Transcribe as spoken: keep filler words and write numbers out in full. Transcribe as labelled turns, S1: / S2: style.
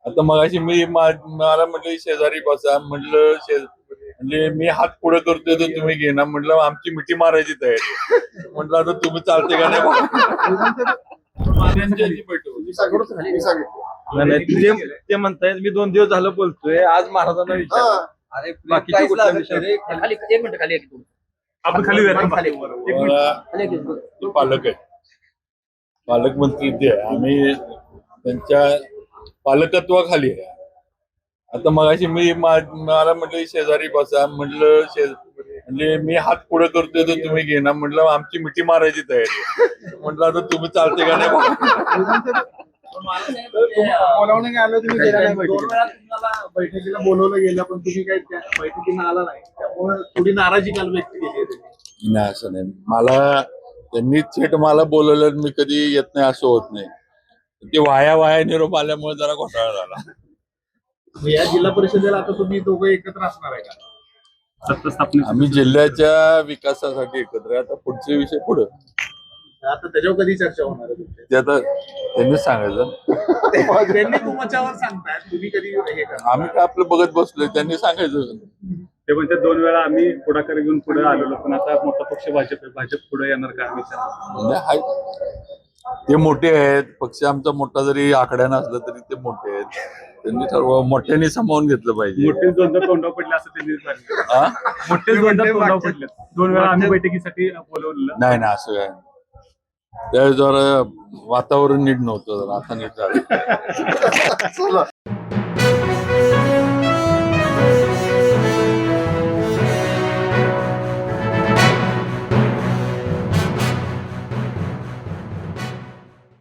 S1: आता मगाशी मी मा- मला म्हटलं शेजारी बसा म्हटलं शे म्हणजे मी हात पुढे करतोय तर तुम्ही घेणार म्हटलं आमची मिठी मारायची तयारी आहे. म्हटलं आता तुम्ही चालते का नाही त्यांच्याशी बैठक होती.
S2: नाही, नाही, ते ते म्हणतायत मी दोन दिवस झालं बोलतोय आज महाराजांना विचार
S3: अरे
S2: बाकीच्या कुठल्या विषयावर?
S3: खाली एक मिनिट खाली एक मिनिट.
S4: आपण खाली जाऊया.
S3: खाली
S1: मला
S3: खाली एक मिनिट.
S1: ते पालक आहे पालकमंत्री ते आहे आम्ही त्यांच्या पालकत्वाखाली आहे. आता मगाशी मी मा- मला म्हटलं शेजारी बसा म्हटलं शे म्हणजे मी हात पुढे करतोय तर तुम्ही घेणार म्हटलं आमची मिठी मारायची तयारी आहे. म्हटलं आता तुम्ही चालते का नाही
S5: बोलावणे आलो तुम्ही गेला नाही
S3: दोन
S5: बैठकीला.
S3: वेळा तुम्हाला
S5: बैठकीला बोलवलं गेलं पण तुम्ही काही त्या बैठकीला आला नाही त्यामुळे थोडी नाराजी काल व्यक्त केली आहे त्यांनी.
S1: नाही असं नाही मला त्यांनी थेट मला बोलवलं मी कधी येत नाही असं होत नाही. ते वाया वाया निरोप आल्यामुळे जरा घोटाळा झाला.
S5: मग या जिल्हा परिषदेला आता तुम्ही दोघं एकत्र असणार आहे का?
S4: सत्ता स्थापने
S1: आम्ही जिल्ह्याच्या विकासासाठी एकत्र आहे. आता पुढचे विषय पुढे
S5: आता त्याच्यावर कधी चर्चा होणार आहे तुमची?
S1: ते आता त्यांनीच सांगायचं.
S5: त्यांनी तुमच्यावर सांगताय तुम्ही कधी हे करा.
S1: आम्ही काय आपलं बघत बसलोय त्यांनी सांगायचं.
S4: ते म्हणजे दोन वेळा आम्ही पुढाकार घेऊन पुढे आलेलो पण आता मोठा पक्ष भाजप आहे. भाजप पुढे येणार का विचार
S1: म्हणजे हाय- ते मोठे आहेत पक्ष आमचा मोठा जरी आकड्या नसला तरी ते मोठे आहेत. त्यांनी ठरवा मोठ्यांनी सामावून घेतलं पाहिजे.
S4: मोठे दोनदा तोंडावर पडले असं त्यांनी सांगितलं.
S1: हा?
S4: मोठे दोनदा तोंडावर पडले दोन वेळा आम्ही बैठकीसाठी बोलवलेलं.
S1: नाही ना असं काय त्यावेळेस जरा वातावरण नीट नव्हतं जरा आता नीट झालं.